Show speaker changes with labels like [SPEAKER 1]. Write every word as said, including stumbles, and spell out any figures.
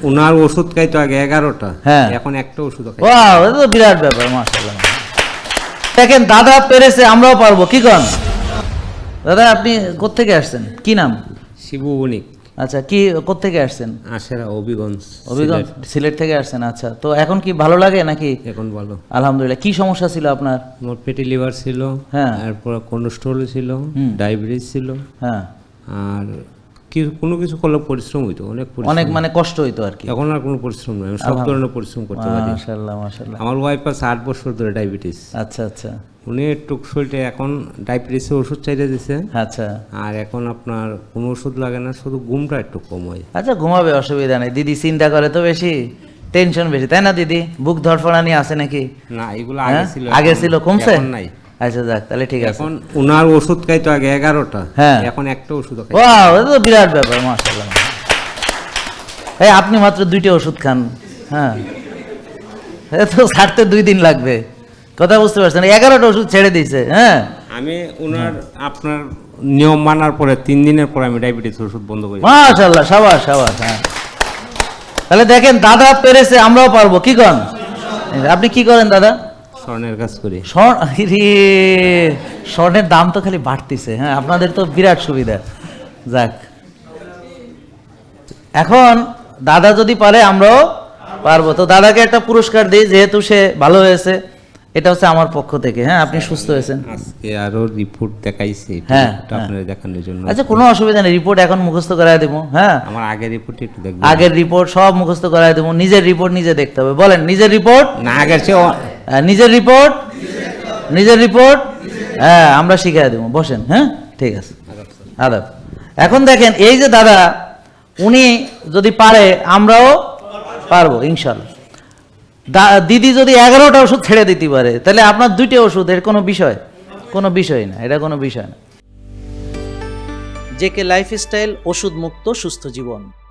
[SPEAKER 1] ওনার ওষুধ খাইতো আগে এগারোটা,
[SPEAKER 2] হ্যাঁ
[SPEAKER 1] এখন একটা ওষুধ খাই।
[SPEAKER 2] ওয়াও, এটা তো বিরাট ব্যাপার, মাশাআল্লাহ। দেখেন দাদা পেরেছে, আমরাও পারবো, কি কন দাদা? আপনি কোত্থেকে আসছেন, কি নাম?
[SPEAKER 1] শিবু বণিক।
[SPEAKER 2] আচ্ছা, কি কোত্থেকে আসছেন?
[SPEAKER 1] আশেরা হবিগঞ্জ।
[SPEAKER 2] হবিগঞ্জ, সিলেট থেকে আসছেন। আচ্ছা, তো এখন কি ভালো লাগে নাকি?
[SPEAKER 1] এখন ভালো,
[SPEAKER 2] আলহামদুলিল্লাহ। কি সমস্যা ছিল আপনার?
[SPEAKER 1] আমার পেটি লিভার ছিল,
[SPEAKER 2] হ্যাঁ,
[SPEAKER 1] তারপর কোলেস্ট্রল ছিল, ডায়াবেটিস ছিল,
[SPEAKER 2] হ্যাঁ,
[SPEAKER 1] আর কি কোনো কিছু করলে পরিশ্রম হইতো, অনেক পরিশ্রম।
[SPEAKER 2] অনেক মানে কষ্ট হইতো আর কি।
[SPEAKER 1] এখন আর কোনো পরিশ্রম নেই, আমি সব ধরনের পরিশ্রম করতে পারি।
[SPEAKER 2] মাশাআল্লাহ মাশাআল্লাহ।
[SPEAKER 1] আমার ওয়াইফ আছে আট বছর ধরে ডায়াবেটিস।
[SPEAKER 2] আচ্ছা আচ্ছা
[SPEAKER 1] উনি একটু শরীরটা এখন ডায়াবেটিসের ওষুধ চাইতে দিছে,
[SPEAKER 2] আচ্ছা।
[SPEAKER 1] আর এখন আপনার কোনো ওষুধ লাগে না, শুধু ঘুমটা একটু কম হয়।
[SPEAKER 2] আচ্ছা, ঘুমাবে, অসুবিধা নেই। দিদি চিন্তা করে তো বেশি, টেনশন বেশি, তাই না দিদি? বুক ধরফড়ানি আছে নাকি?
[SPEAKER 1] না, এগুলো আগে ছিল,
[SPEAKER 2] আগে ছিল, কমছে?
[SPEAKER 1] এখন নাই।
[SPEAKER 2] আচ্ছা যাক, তাহলে ঠিক আছে।
[SPEAKER 1] এখন ওনার ওষুধ খাইতো আগে এগারোটা,
[SPEAKER 2] হ্যাঁ,
[SPEAKER 1] এখন একটা ওষুধ খাই।
[SPEAKER 2] ওয়াও, এটা তো বিরাট ব্যাপার, মাশাআল্লাহ। এই আপনি মাত্র দুইটা ওষুধ খান, হ্যাঁ, এ তো ছাড়তে দুই দিন লাগবে, কথা বুঝতে পারছেন? এগারোটা ওষুধ ছেড়ে দিয়েছে। হ্যাঁ,
[SPEAKER 1] আমি ওনার আপনার নিয়ম মানার পরে তিন দিনের পরে আমি ডায়াবেটিস ওষুধ বন্ধ করি।
[SPEAKER 2] মাশাআল্লাহ, সাবাস সাবাস। হ্যাঁ, তাহলে দেখেন দাদা পেরেছে, আমরাও পারবো, কি কন? আপনি কি করেন দাদা?
[SPEAKER 1] স্বর্ণের কাজ করি।
[SPEAKER 2] স্বর্ণের দাম তো খালি বাড়তিছে। হ্যাঁ, আপনাদের তো বিরাট সুবিধা। যাক, এখন দাদা যদি পারে আমরাও পারবো। তো দাদাকে একটা পুরস্কার দিই, যেহেতু সে ভালো হয়েছে, এটা হচ্ছে আমার পক্ষ থেকে। হ্যাঁ, আপনি সুস্থ হয়েছেন।
[SPEAKER 1] আজকে আরো রিপোর্ট দেখাইছি,
[SPEAKER 2] হ্যাঁ,
[SPEAKER 1] আপনাদের দেখানোর জন্য।
[SPEAKER 2] আচ্ছা, কোনো অসুবিধা নেই, রিপোর্ট এখন মুখস্থ করায় দেবো। হ্যাঁ,
[SPEAKER 1] আমার আগের রিপোর্ট একটু দেখবেন।
[SPEAKER 2] আগের রিপোর্ট সব মুখস্থ করায় দেবো। নিজের রিপোর্ট নিজে দেখতে হবে। বলেন, নিজের রিপোর্ট
[SPEAKER 1] না, আগের চেয়ে
[SPEAKER 2] নিজের রিপোর্ট নিজের রিপোর্ট হ্যাঁ, আমরা শিখাই দেবো। বসেন। হ্যাঁ, ঠিক আছে, আদাব। এখন দেখেন, এই যে দাদা, উনি যদি পারে আমরাও পারবো ইনশাল্লাহ। দিদি যদি এগারোটা ওষুধ ছেড়ে দিতে পারে, তাহলে আপনার দুইটা ওষুধ, এর কোনো বিষয় কোনো বিষয় না, এটা কোনো বিষয় না। জেকে লাইফস্টাইল, ওষুধ মুক্ত সুস্থ জীবন।